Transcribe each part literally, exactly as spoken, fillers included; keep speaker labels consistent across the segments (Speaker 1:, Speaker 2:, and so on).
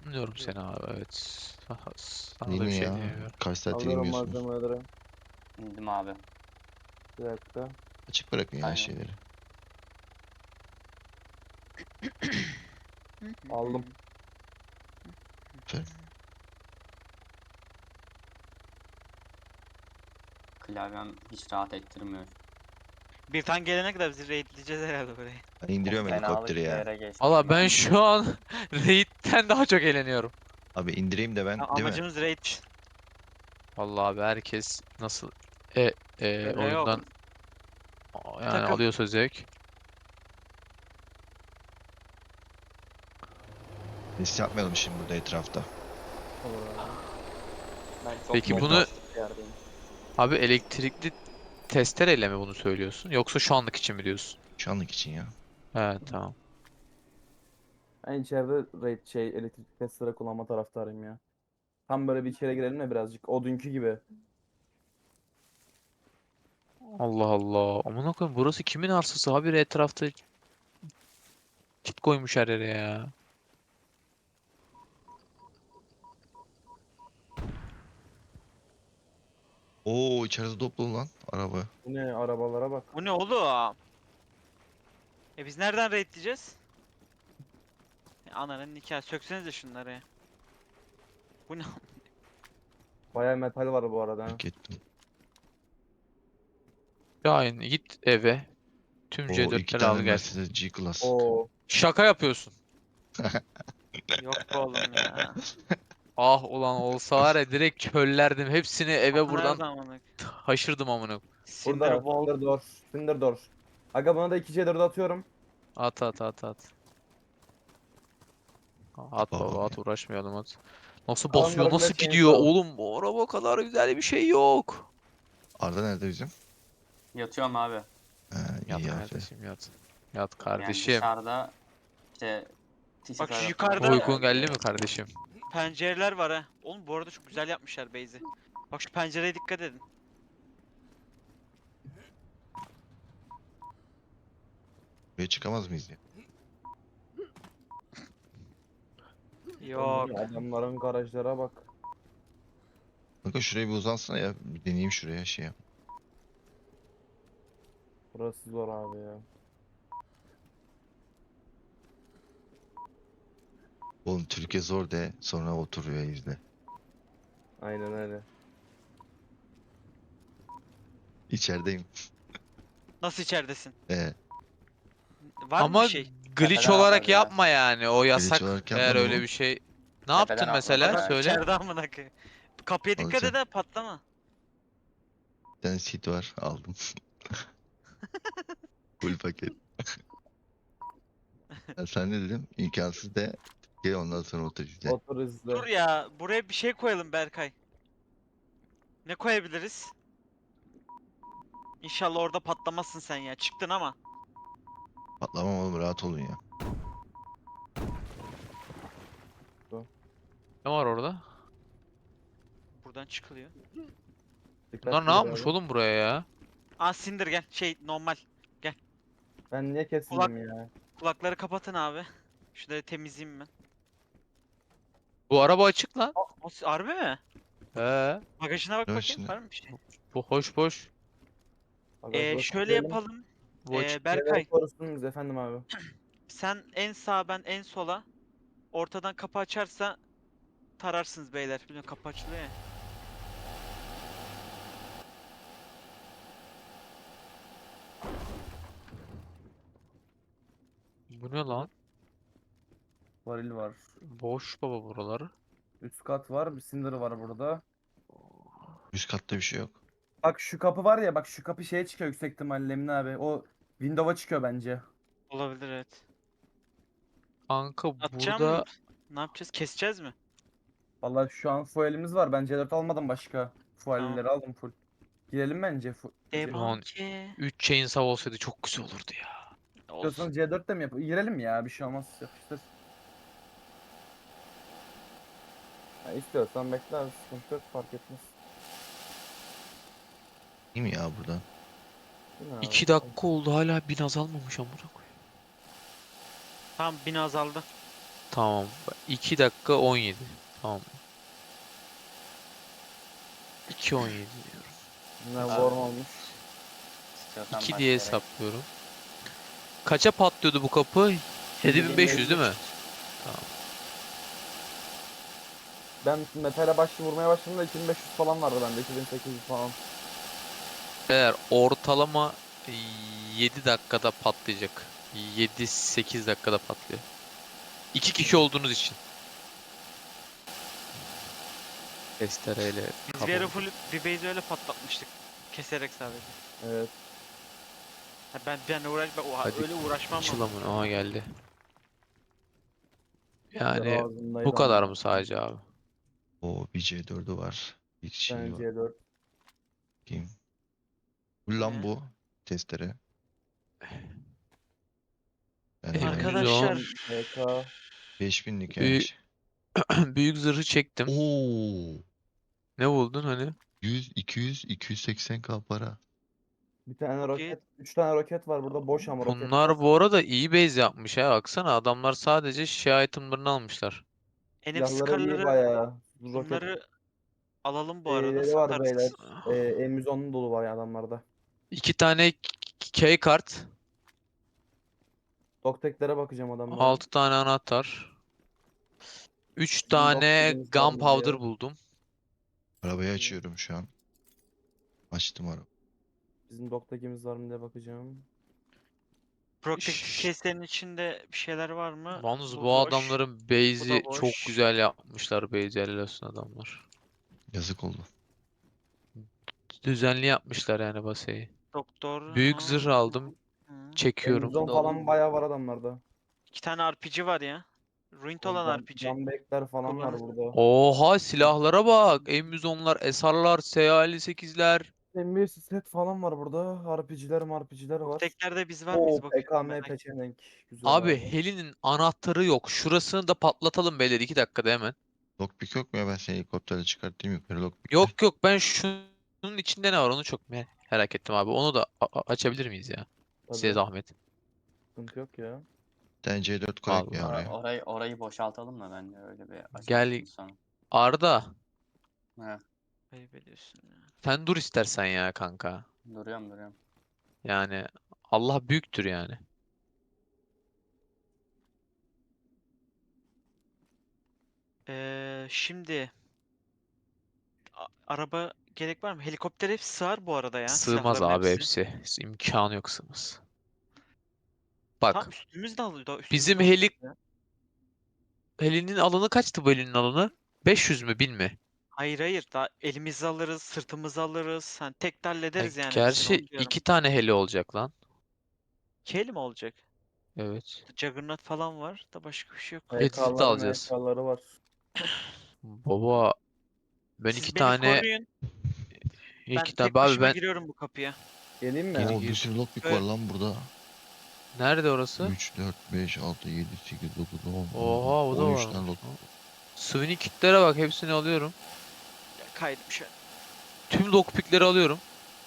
Speaker 1: Anlıyorum seni abi, evet. Sana
Speaker 2: Değil
Speaker 1: da bir
Speaker 2: mi
Speaker 1: şey
Speaker 2: ya?
Speaker 1: diyemiyorum.
Speaker 2: Kaç saattir
Speaker 3: Alıyorum
Speaker 2: inmiyorsunuz?
Speaker 3: malzemeleri.
Speaker 4: İndim abi.
Speaker 3: Bir dakika.
Speaker 2: Açık bırakın ya
Speaker 4: Aynen.
Speaker 2: şeyleri.
Speaker 3: Aldım.
Speaker 2: Aferin.
Speaker 4: Klavyem hiç rahat ettirmiyor.
Speaker 5: Bir tane gelene kadar bizi raidleyeceğiz herhalde burayı.
Speaker 2: Ben indiriyorum
Speaker 4: Çok fenalık
Speaker 2: helikopteri
Speaker 4: bir
Speaker 2: ya.
Speaker 4: yere geçtim
Speaker 1: Valla ben
Speaker 4: ben.
Speaker 1: şu an Raid'den daha çok eğleniyorum.
Speaker 2: Abi indireyim de ben,
Speaker 5: Ya
Speaker 2: değil mi?
Speaker 5: amacımız raid.
Speaker 1: Vallahi abi herkes nasıl e, e,
Speaker 5: Öyle
Speaker 1: oyundan
Speaker 5: yok.
Speaker 1: yani
Speaker 5: Takım.
Speaker 1: alıyorsa zevk.
Speaker 2: Biz yapmayalım şimdi burada etrafta.
Speaker 3: Olur abi.
Speaker 4: Ben çok
Speaker 1: Peki
Speaker 4: çok
Speaker 1: bunu-
Speaker 4: basit bir yerdeyim.
Speaker 1: Abi elektrikli testereyle mi bunu söylüyorsun? Yoksa şu anlık için mi diyorsun?
Speaker 2: Şu anlık için ya.
Speaker 1: He tamam.
Speaker 3: Ben içeride raid şey elektrik testere kullanma taraftarıyım ya. Tam böyle bir içeri girelim mi birazcık? O dünkü gibi.
Speaker 1: Allah Allah. Amına koyayım, burası kimin arsası? Habire etrafta çit koymuş her yere ya.
Speaker 2: Oo içeride toplu lan araba.
Speaker 3: Bu ne arabalara bak.
Speaker 5: Bu ne oğlum? E biz nereden raidleyeceğiz? E, Ananın nikahı. Söksenize şunları ya. Bu ne?
Speaker 3: Bayağı metal var bu arada. ha.
Speaker 2: Fark ettim.
Speaker 1: Şahin git eve. Tüm
Speaker 2: Oo iki
Speaker 1: C dörtleri
Speaker 2: tane
Speaker 1: al gel.
Speaker 2: Mercedes G-Class.
Speaker 3: Oo.
Speaker 1: Şaka yapıyorsun.
Speaker 5: Yok be oğlum ya.
Speaker 1: Ah ulan olsa var ya, direkt köllerdim. Hepsini eve
Speaker 5: Kapı
Speaker 1: buradan
Speaker 5: nerede amına?
Speaker 1: haşırdım amına.
Speaker 5: Cinder
Speaker 3: Burada.
Speaker 5: Wall.
Speaker 3: Cinder door. Cinder door. Aga buna da iki C dört atıyorum.
Speaker 1: At at at at. At
Speaker 2: Baba
Speaker 1: baba
Speaker 2: ya.
Speaker 1: at, uğraşmayalım at. Nasıl
Speaker 3: Alanların
Speaker 1: basıyor, nasıl
Speaker 3: hepsini
Speaker 1: gidiyor
Speaker 3: sağ ol.
Speaker 1: oğlum, bu araba kadar güzel bir şey yok.
Speaker 2: Arda nerede bizim?
Speaker 4: Yatıyorum abi.
Speaker 2: Ha,
Speaker 1: Yat
Speaker 2: iyi aferin.
Speaker 1: kardeşim yat. Yat
Speaker 4: Yani
Speaker 1: kardeşim.
Speaker 4: dışarıda işte
Speaker 5: Bak şu
Speaker 4: tarafı-
Speaker 5: yukarıda-
Speaker 1: Uykun geldi mi kardeşim?
Speaker 5: Pencereler var ha. Oğlum bu arada çok güzel yapmışlar base'i. Bak şu pencereye dikkat edin.
Speaker 2: Buraya çıkamaz mıyız ya?
Speaker 5: Yok.
Speaker 3: Adamların garajlara bak.
Speaker 2: Bakın şuraya bir uzansana ya. Bir deneyeyim şuraya şey yap.
Speaker 3: Burası zor abi ya.
Speaker 2: Oğlum Türkiye zor de sonra oturuyor izle.
Speaker 3: Aynen öyle.
Speaker 2: İçerideyim.
Speaker 5: Nasıl içeridesin?
Speaker 2: Ee,
Speaker 5: Var mı
Speaker 1: Ama
Speaker 5: bir şey?
Speaker 1: glitch
Speaker 4: Tepeden
Speaker 1: olarak
Speaker 4: atladı ya.
Speaker 1: yapma yani, o yasak.
Speaker 2: olarak
Speaker 1: Eğer
Speaker 2: yapmadım
Speaker 1: öyle
Speaker 2: oğlum.
Speaker 1: bir şey. Ne
Speaker 4: Tepeden
Speaker 1: yaptın mesela?
Speaker 4: atladı ya.
Speaker 1: Söyle.
Speaker 5: İçeride amına koyayım. Kapıya dikkat
Speaker 2: Alacağım.
Speaker 5: et ha, patlama.
Speaker 2: Bir tane seat var aldım. Full paket. Ya sen ne dedim? İmkansız de gel ondan sonra otur izle.
Speaker 3: Otur izle.
Speaker 5: Dur ya, buraya bir şey koyalım Berkay. Ne koyabiliriz? İnşallah orada patlamazsın sen ya. Çıktın ama.
Speaker 2: Patlamam oğlum rahat olun ya.
Speaker 1: Ne var orada?
Speaker 5: Buradan çıkılıyor.
Speaker 3: Dikkatli
Speaker 1: Bunlar ne
Speaker 3: ol
Speaker 1: yapmış
Speaker 3: abi.
Speaker 1: oğlum buraya ya?
Speaker 5: Aa Cinder gel. Şey normal.
Speaker 3: Ben niye kesildim ya?
Speaker 5: Kulakları kapatın abi. Şunları temizleyeyim ben.
Speaker 1: Bu araba açık lan.
Speaker 5: O harbi mi?
Speaker 1: He.
Speaker 5: Bagajına bak
Speaker 2: Ne var
Speaker 5: bakayım.
Speaker 2: içinde?
Speaker 5: Var mı bir şey?
Speaker 1: Bu hoş boş.
Speaker 3: Aga,
Speaker 5: Ee,
Speaker 3: burası
Speaker 5: şöyle
Speaker 3: diyelim.
Speaker 5: yapalım.
Speaker 1: Bu açık.
Speaker 5: Ee, Berkay
Speaker 3: Korusunuz efendim abi.
Speaker 5: sen en sağa, ben en sola. Ortadan kapı açarsa tararsınız beyler. Biliyorum kapı açılıyor ya.
Speaker 1: Bu ne lan?
Speaker 3: Varil var.
Speaker 1: Boş baba buraları.
Speaker 3: Üst kat var. Bir Cinder var burada.
Speaker 2: Üst katta bir şey yok.
Speaker 3: Bak şu kapı var ya, bak şu kapı şeye çıkıyor yüksek ihtimalle Emin abi. O window'a çıkıyor bence.
Speaker 5: Olabilir evet.
Speaker 1: Kanka
Speaker 5: Atacağım.
Speaker 1: burada
Speaker 5: Ne yapacağız? Keseceğiz mi?
Speaker 3: Vallahi şu an fuelimiz var. Ben C dört almadım başka.
Speaker 5: Tamam.
Speaker 3: Fuelleri aldım full. Girelim bence. Fu
Speaker 5: Debanke.
Speaker 1: üç chainsaw olsaydı çok güzel olurdu ya.
Speaker 3: İstiyorsan
Speaker 5: Olsun.
Speaker 3: C dört de mi yap? Girelim ya, bir şey olmaz. Yapıştır. Ya istiyorsan bekler, sıkıntı yok, fark etmez.
Speaker 2: Değil mi ya buradan?
Speaker 3: Değil mi abi?
Speaker 1: iki dakika oldu hala bin azalmamış amına koyayım.
Speaker 5: Tamam bin azaldı.
Speaker 1: Tamam. iki dakika on yedi. Tamam. iki on yedi diyorum.
Speaker 3: Ne
Speaker 4: Abi.
Speaker 3: warm olmuş.
Speaker 4: İstiyorsan
Speaker 1: iki diye
Speaker 4: başlayarak.
Speaker 1: hesaplıyorum. Kaça patlıyordu bu kapı? yedi bin beş yüz değil mi?
Speaker 3: Ben metale başlı vurmaya başladığımda iki bin beş yüz falan vardı bende. iki bin sekiz yüz falan.
Speaker 1: Eğer ortalama yedi dakikada patlayacak. yedi sekiz dakikada patlıyor. İki kişi olduğunuz için. Testereyle
Speaker 5: Biz bir ara
Speaker 1: kablo.
Speaker 5: full bir base öyle patlatmıştık. Keserek sadece.
Speaker 3: Evet.
Speaker 5: Ha ben ben uğraş ben oha,
Speaker 1: Hadi
Speaker 5: öyle uğraşmam lazım.
Speaker 1: Çılamın. Aha geldi.
Speaker 3: Yani
Speaker 1: Yani
Speaker 3: ağzındaydı
Speaker 1: bu kadar
Speaker 3: amına
Speaker 1: mı sadece abi?
Speaker 2: O bir C dördü var. Bir şey var.
Speaker 3: C dört.
Speaker 2: Kim? Bu
Speaker 5: Bu
Speaker 2: lan
Speaker 5: ne?
Speaker 2: bu. Testere. Ben de
Speaker 1: Emin
Speaker 2: aynı.
Speaker 1: ol.
Speaker 5: Arkadaşlar
Speaker 3: B K.
Speaker 2: beş binlik
Speaker 1: Büyük,
Speaker 2: genç.
Speaker 1: büyük zırhı çektim.
Speaker 2: Oo.
Speaker 1: Ne buldun hani?
Speaker 2: yüz, iki yüz, iki yüz seksen k para.
Speaker 3: Bir tane
Speaker 5: çok iyi.
Speaker 3: roket. Üç tane roket var burada boş ama roketler.
Speaker 1: Bunlar bu arada iyi base yapmış ha. Baksana adamlar sadece şey itemlarını almışlar.
Speaker 5: N F
Speaker 3: Silahları iyi
Speaker 5: Scar'ları
Speaker 3: bayağı. Roket
Speaker 5: bunları alalım bu arada
Speaker 3: şeyleri var beyler.
Speaker 5: satarız.
Speaker 3: Ee, M yüz on dolu var ya adamlarda.
Speaker 1: İki tane key kart.
Speaker 3: Dokteklere bakacağım adamların.
Speaker 1: Altı tane anahtar. Üç
Speaker 3: Bizim dok
Speaker 1: tane
Speaker 3: dediğimiz var mı
Speaker 1: gunpowder
Speaker 3: diye.
Speaker 1: buldum.
Speaker 2: Arabayı
Speaker 3: İyi.
Speaker 2: açıyorum şu an. Açtım araba.
Speaker 3: Bizim doktekimiz var mı diye bakacağım.
Speaker 5: Protective
Speaker 1: Şşş.
Speaker 5: case'lerin içinde bir şeyler var mı?
Speaker 1: Yalnız
Speaker 5: Bu
Speaker 1: bu
Speaker 5: boş.
Speaker 1: adamların
Speaker 5: Bu
Speaker 1: base'i
Speaker 5: da
Speaker 1: çok
Speaker 5: boş.
Speaker 1: güzel yapmışlar. Base helal olsun adamlar.
Speaker 2: Yazık oldu.
Speaker 1: Düzenli yapmışlar yani baseyi.
Speaker 5: Doktor.
Speaker 1: Büyük
Speaker 5: Ha.
Speaker 1: zırh aldım.
Speaker 5: Hı.
Speaker 1: Çekiyorum.
Speaker 3: M yüz on
Speaker 4: Dolu.
Speaker 3: falan bayağı var adamlarda.
Speaker 5: İki tane R P G var ya. Ruined
Speaker 3: O
Speaker 5: olan
Speaker 3: Gun,
Speaker 5: R P G.
Speaker 3: gunback'ler falan var
Speaker 5: Kullanır.
Speaker 3: burada.
Speaker 1: Oha silahlara bak. M yüz onlar, S R'lar, S elli sekizler.
Speaker 3: M bir set falan var burada. R P G'ler M R P G'ler var.
Speaker 5: Dokteklerde biz var
Speaker 3: Oo
Speaker 5: mıyız bakıyorum
Speaker 3: P K M
Speaker 5: merak.
Speaker 3: peçenek. Güzel
Speaker 1: Abi
Speaker 3: abi.
Speaker 1: Heli'nin anahtarı yok. Şurasını da patlatalım beyler iki dakikada hemen.
Speaker 2: Lockpick yok mu ya? Ben seni helikopterle çıkartayım yukarı lockpick'le.
Speaker 1: Yok yok ben şunun içinde ne var onu çok me- merak ettim abi. Onu da a- a- açabilir miyiz ya? Size
Speaker 3: Tabii.
Speaker 1: zahmet.
Speaker 3: Sıkıntı yok ya.
Speaker 2: Bir tane C dört koyak ya
Speaker 1: Allah.
Speaker 4: Ora-
Speaker 2: oraya.
Speaker 4: orayı orayı boşaltalım mı bence öyle bir
Speaker 1: Gel
Speaker 4: aşamasını sonra.
Speaker 1: Arda.
Speaker 4: He,
Speaker 5: Ayıp ediyorsun ya.
Speaker 1: Sen dur istersen ya kanka.
Speaker 4: duruyorum duruyorum.
Speaker 1: Yani Allah büyüktür yani.
Speaker 5: Ee, şimdi a- araba gerek var mı? Helikopter hepsi sığar bu arada ya.
Speaker 1: Sığmaz
Speaker 5: Silahların
Speaker 1: abi
Speaker 5: hepsi.
Speaker 1: hepsi. İmkanı yok sığmaz.
Speaker 5: Tam
Speaker 1: Bak
Speaker 5: üstümüzde alıyor da
Speaker 1: bizim
Speaker 5: üstümüzde
Speaker 1: heli
Speaker 5: alacağız ya.
Speaker 1: helinin alanı kaçtı bu helinin alanı? beş yüz mü bin mi?
Speaker 5: Hayır hayır daha elimizi alırız, sırtımızı alırız. Hani tek de
Speaker 1: Ha,
Speaker 5: hallederiz yani hepsini
Speaker 1: gerçi
Speaker 5: onu diyorum.
Speaker 1: iki tane heli olacak lan.
Speaker 5: İki heli mi olacak?
Speaker 1: Evet.
Speaker 5: Juggernaut falan var da başka bir şey yok.
Speaker 1: Edit'i de
Speaker 3: P K'ları
Speaker 1: alacağız.
Speaker 3: M K'ları var.
Speaker 1: Baba ben iki
Speaker 5: Siz beni
Speaker 1: tane
Speaker 5: koruyun. Ben
Speaker 1: iki tane
Speaker 5: tek
Speaker 1: abi
Speaker 5: başıma
Speaker 1: ben
Speaker 5: giriyorum bu kapıya.
Speaker 3: Geleyim mi?
Speaker 1: Gir
Speaker 2: Oo bir
Speaker 1: gir.
Speaker 2: sürü lockpick
Speaker 5: Evet.
Speaker 2: var lan burada.
Speaker 1: Nerede orası?
Speaker 2: üç, dört, beş, altı, yedi, sekiz, dokuz, on,
Speaker 1: Oha o da
Speaker 2: on üç
Speaker 1: var.
Speaker 2: tane lock.
Speaker 1: Swing kitlere bak hepsini alıyorum.
Speaker 5: Ya, kaydım şu an.
Speaker 1: Tüm lockpickleri alıyorum.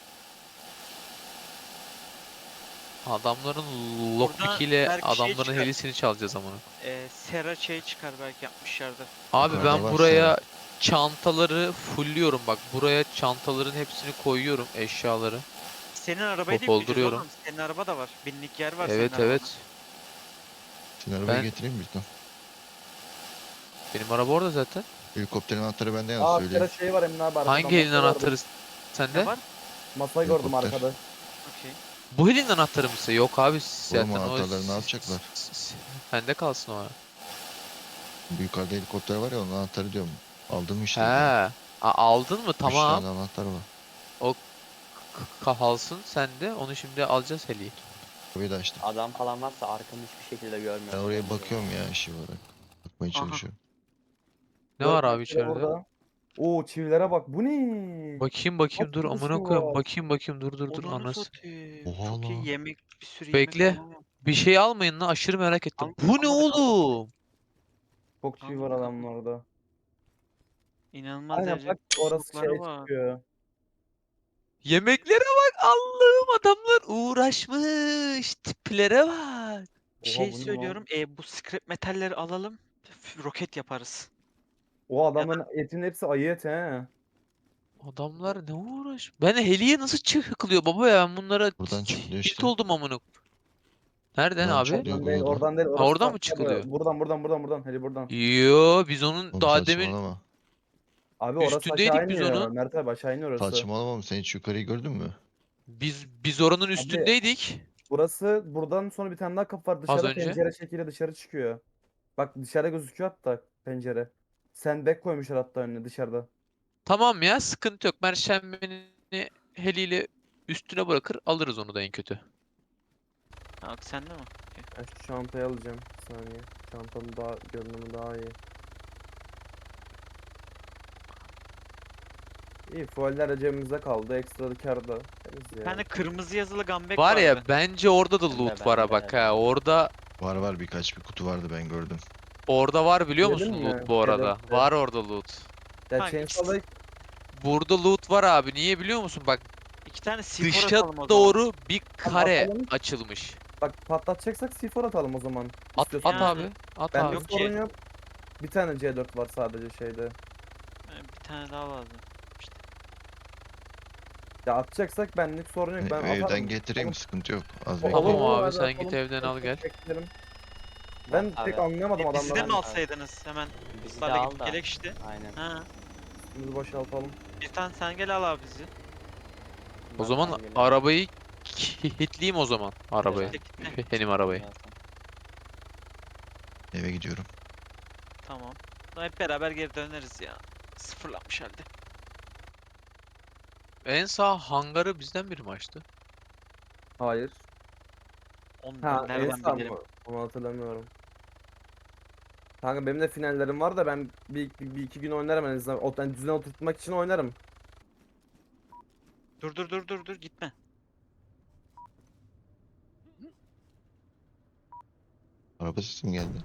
Speaker 1: Adamların lockpick ile
Speaker 5: belki şey
Speaker 1: adamların
Speaker 5: çıkar.
Speaker 1: helisini çalacağız amına.
Speaker 5: Ee, Sera şey çıkar belki yapmışlardır.
Speaker 1: Abi
Speaker 2: Yukarıda
Speaker 1: ben
Speaker 2: var
Speaker 1: buraya
Speaker 2: Sera.
Speaker 1: çantaları fullliyorum bak. Buraya çantaların hepsini koyuyorum eşyaları.
Speaker 5: Senin arabayı da
Speaker 1: Hop,
Speaker 5: yükleyeceğiz
Speaker 1: dolduruyorum.
Speaker 5: oğlum. Senin araba da var. Binlik yer var senin
Speaker 1: Evet
Speaker 5: arabada.
Speaker 1: evet.
Speaker 2: Senin arabayı
Speaker 1: Ben-
Speaker 2: getireyim mi bizden?
Speaker 1: Benim araba orada zaten.
Speaker 2: Helikopterin anahtarı bende yalnız
Speaker 3: Aa
Speaker 2: söyleyeyim.
Speaker 3: Sera şey var Emre abi arkada.
Speaker 1: Hangi elin
Speaker 3: masa
Speaker 1: anahtarı
Speaker 3: gördüm.
Speaker 1: sende?
Speaker 5: Ne var?
Speaker 3: Masayı gördüm
Speaker 2: Helikopter.
Speaker 3: arkada.
Speaker 5: Okey.
Speaker 1: Bu elin anahtarı mısı? Yok abi zaten
Speaker 2: Oğlum
Speaker 1: o
Speaker 2: anahtarları ne yapacaklar?
Speaker 1: s- s- Sende kalsın o ara.
Speaker 2: Bu yukarıda helikopter var ya onun anahtarı diyorum. Aldın mı
Speaker 1: He.
Speaker 2: işte? diyorum.
Speaker 1: A- aldın mı?
Speaker 2: Üç
Speaker 1: Tamam.
Speaker 2: tane anahtar var.
Speaker 1: K- Kalsın sende. Onu şimdi alacağız heliyi.
Speaker 2: Kapıyı da açtım.
Speaker 4: Adam falan varsa arkamı hiçbir şekilde görmüyorum.
Speaker 2: Ben oraya bakıyorum ya işi olarak. Bakmaya
Speaker 5: Aha.
Speaker 2: çalışıyorum.
Speaker 1: Ne var
Speaker 3: Dört
Speaker 1: abi
Speaker 3: metre
Speaker 1: içeride?
Speaker 3: burada. Oo çivilere bak. Bu ne?
Speaker 1: Bakayım bakayım
Speaker 3: Kaç
Speaker 1: dur
Speaker 3: sürü
Speaker 1: amına
Speaker 3: çivi
Speaker 1: koyayım.
Speaker 3: var?
Speaker 1: Bakayım bakayım dur dur dur
Speaker 5: Onunu
Speaker 1: anası.
Speaker 5: satayım.
Speaker 2: Oha
Speaker 5: Çok iyi
Speaker 2: lan.
Speaker 5: yemek, bir sürü yemek
Speaker 1: Bekle.
Speaker 5: falan var.
Speaker 1: Bir şey almayın lan aşırı merak ettim.
Speaker 5: Almadık,
Speaker 1: Bu ne
Speaker 5: almadık, almadık.
Speaker 1: oğlum?
Speaker 3: Çok çivi var
Speaker 5: Almadık,
Speaker 3: adamlarda.
Speaker 5: İnanılmaz
Speaker 3: Aynen
Speaker 5: derecede
Speaker 3: bak orası
Speaker 5: çubukları
Speaker 3: şey
Speaker 5: var.
Speaker 3: çıkıyor.
Speaker 1: Yemeklere bak Allah'ım adamlar uğraşmış. Tiplere bak.
Speaker 5: Bir
Speaker 3: Oha
Speaker 5: şey
Speaker 3: bu ne lan?
Speaker 5: söylüyorum. E, bu scrap metalleri alalım. f- roket yaparız.
Speaker 3: O adamın etinin hepsi ayı eti he.
Speaker 1: Adamlar ne uğraş? Ben heliye nasıl çıkılıyor baba ya? Ben bunlara
Speaker 2: Buradan çıkılıyor
Speaker 1: tilt
Speaker 2: işte.
Speaker 1: oldum amına. Nereden
Speaker 2: Buradan
Speaker 1: abi?
Speaker 2: çıkılıyor.
Speaker 3: Oradan değil,
Speaker 2: Google'da.
Speaker 3: oradan değil.
Speaker 1: Ha,
Speaker 3: Orası
Speaker 1: oradan mı
Speaker 3: farklı.
Speaker 1: çıkılıyor?
Speaker 3: Buradan, buradan, buradan, buradan. Hadi buradan.
Speaker 1: Yo biz onun
Speaker 2: Oğlum
Speaker 1: daha demin
Speaker 2: saçmalama.
Speaker 3: Abi orası aşağı
Speaker 1: üstündeydik biz
Speaker 3: iniyor.
Speaker 1: onun.
Speaker 3: Mert abi aşağı iniyor orası.
Speaker 2: Saçmalama mı? Sen hiç yukarıyı gördün mü?
Speaker 1: Biz biz oranın
Speaker 3: Abi
Speaker 1: üstündeydik
Speaker 3: burası buradan sonra bir tane daha kapı var.
Speaker 1: az
Speaker 3: Dışarıda
Speaker 1: önce.
Speaker 3: pencere şekliyle dışarı çıkıyor. Bak dışarıda gözüküyor hatta pencere. Sandbag koymuşlar hatta önüne dışarıda.
Speaker 1: Tamam ya sıkıntı yok. Perşembeni heliyle üstüne bırakır alırız onu da en kötü.
Speaker 5: Bak sende mi?
Speaker 3: Ben şu çantayı alacağım. Bir saniye. Çantanın daha görünümü daha iyi. İyi fueller de cebimizde kaldı. Ekstra da kârda. Temiz
Speaker 5: Bir
Speaker 3: ya.
Speaker 5: tane kırmızı yazılı gambek
Speaker 1: Var
Speaker 5: vardı.
Speaker 1: ya bence orada da
Speaker 4: Bende,
Speaker 1: loot var ha
Speaker 4: bende,
Speaker 1: bak ha.
Speaker 4: bende.
Speaker 1: Orada
Speaker 2: Var var birkaç bir kutu vardı ben gördüm.
Speaker 1: orada var biliyor
Speaker 3: Yedin
Speaker 1: musun
Speaker 3: mi?
Speaker 1: loot bu arada?
Speaker 3: Yedekte.
Speaker 1: Var orada loot.
Speaker 3: Ya
Speaker 5: Hangi
Speaker 3: Chainsaw'da
Speaker 1: Burada loot var abi. Niye biliyor musun? Bak
Speaker 5: İki tane C four
Speaker 1: dışa
Speaker 5: atalım o zaman.
Speaker 1: doğru bir kare
Speaker 3: atalım.
Speaker 1: açılmış.
Speaker 3: bak patlatacaksak C four atalım o zaman.
Speaker 1: At,
Speaker 3: İstiyorsan.
Speaker 1: at
Speaker 5: Yani.
Speaker 1: abi. At
Speaker 3: Bende
Speaker 1: abi.
Speaker 5: Yok
Speaker 3: sorun
Speaker 5: ki.
Speaker 3: yok. Bir tane C dört var sadece şeyde.
Speaker 5: Ee, Bir tane daha lazım.
Speaker 3: Ya atacaksak benlik sorun yok.
Speaker 2: E,
Speaker 3: Ben
Speaker 2: evden
Speaker 3: atarım.
Speaker 2: getireyim
Speaker 3: Oğlum,
Speaker 2: sıkıntı yok. Az
Speaker 3: o-
Speaker 2: bekle.
Speaker 1: Tamam
Speaker 3: olur,
Speaker 1: abi,
Speaker 3: hadi
Speaker 1: sen
Speaker 3: atalım.
Speaker 1: git evden al
Speaker 3: Tek
Speaker 1: gel.
Speaker 3: tek beklerim. Ben
Speaker 4: Abi,
Speaker 3: pek anlayamadım
Speaker 5: E, bizi de
Speaker 3: adamları.
Speaker 5: mi alsaydınız hemen?
Speaker 4: Bizi de
Speaker 5: Sarla
Speaker 4: al
Speaker 5: gidip
Speaker 4: da.
Speaker 5: gelek işte.
Speaker 4: Aynen.
Speaker 5: Ha.
Speaker 3: Üstümüzü boşaltalım.
Speaker 5: Bir tane sen gel al abi bizi.
Speaker 1: O
Speaker 4: Ben
Speaker 1: zaman
Speaker 4: hangini-
Speaker 1: arabayı kilitleyeyim o zaman arabayı.
Speaker 5: Kitle kitle.
Speaker 1: Benim arabayı.
Speaker 4: Zaten.
Speaker 2: Eve gidiyorum.
Speaker 5: Tamam. Sonra hep beraber geri döneriz ya. Sıfırlanmış halde.
Speaker 1: En sağ hangarı bizden biri mi açtı?
Speaker 3: Hayır.
Speaker 5: Onu
Speaker 3: Ha
Speaker 5: ben
Speaker 3: en
Speaker 5: nereden
Speaker 3: sağ
Speaker 5: bilirim?
Speaker 3: mı? Onu hatırlamıyorum. Kanka benim de finallerim var da ben bir, bir, bir iki gün oynarım en azından. O, yani düzene oturtmak için oynarım.
Speaker 5: Dur dur dur dur dur gitme.
Speaker 2: Araba sesi mi geldi?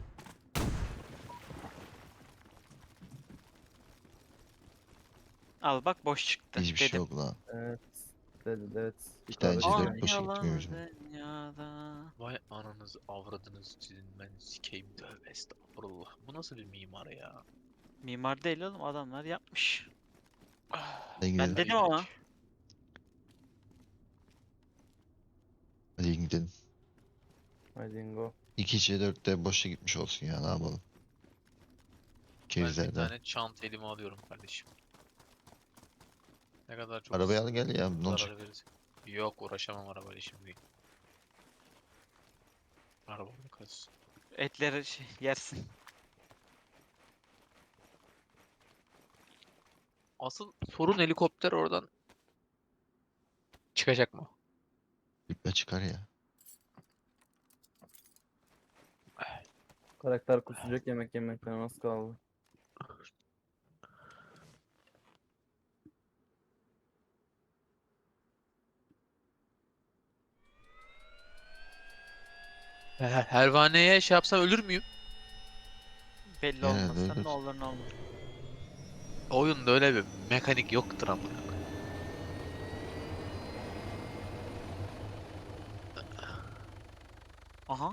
Speaker 5: Al bak boş çıktı.
Speaker 2: Hiçbir şey
Speaker 5: dedim.
Speaker 2: yok lan.
Speaker 3: Evet. Dedi evet.
Speaker 2: Bir tane
Speaker 3: Yukarıda
Speaker 2: C
Speaker 3: şey-
Speaker 2: dört
Speaker 5: Ay
Speaker 2: boşa
Speaker 5: yalan
Speaker 2: gitmiyor bizim.
Speaker 5: dünyada.
Speaker 1: Vay ananızı avradınız sizin ben sikeyim tövbe estağfurullah. Bu nasıl bir mimar ya?
Speaker 5: Mimar değil oğlum adamlar yapmış.
Speaker 2: Hadi gidelim.
Speaker 5: Ben dedim ama.
Speaker 2: Hadi gidelim.
Speaker 3: Haydi Ingo.
Speaker 2: İki C dört de boşa gitmiş olsun ya ne yapalım.
Speaker 1: Ben bir
Speaker 2: Kerizlerden.
Speaker 1: tane çanta elime alıyorum kardeşim. Ne kadar çok
Speaker 2: Arabayı al gel ya ne
Speaker 1: zarar
Speaker 2: olacak?
Speaker 1: veririz. Yok uğraşamam arabayla şimdi. Arabamı kalsın.
Speaker 5: Etleri şey, yersin.
Speaker 1: Asıl sorun helikopter oradan çıkacak mı?
Speaker 2: İple çıkar ya.
Speaker 3: Karakter kusacak yemek yemekten az kaldı.
Speaker 1: Her Hervaneye şey yapsam ölür müyüm?
Speaker 5: Belli
Speaker 2: Genelde
Speaker 5: olmazsa
Speaker 2: öyledir.
Speaker 5: ne olur ne olmaz.
Speaker 1: Oyunda öyle bir mekanik yoktur amına.
Speaker 5: Aha.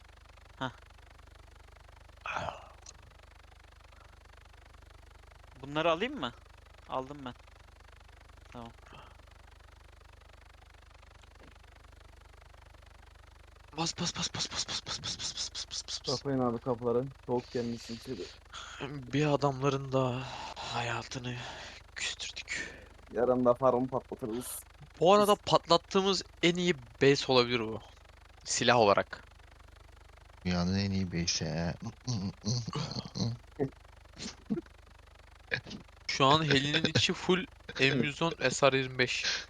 Speaker 5: Bunları alayım mı? Aldım ben.
Speaker 1: Bas bas bas bas bas bas bas bas bas bas bas bas bas bas.
Speaker 3: Kapayın abi kapıları. Soğuk gelmişsin içeri.
Speaker 1: Bir adamların da hayatını küstürdük.
Speaker 3: Yarın da farmı patlatırız.
Speaker 1: Bu arada patlattığımız en iyi base olabilir bu. Silah olarak.
Speaker 2: Dünyanın en iyi base'i.
Speaker 1: Şu an Heli'nin içi full M yüz on S R yirmi beş.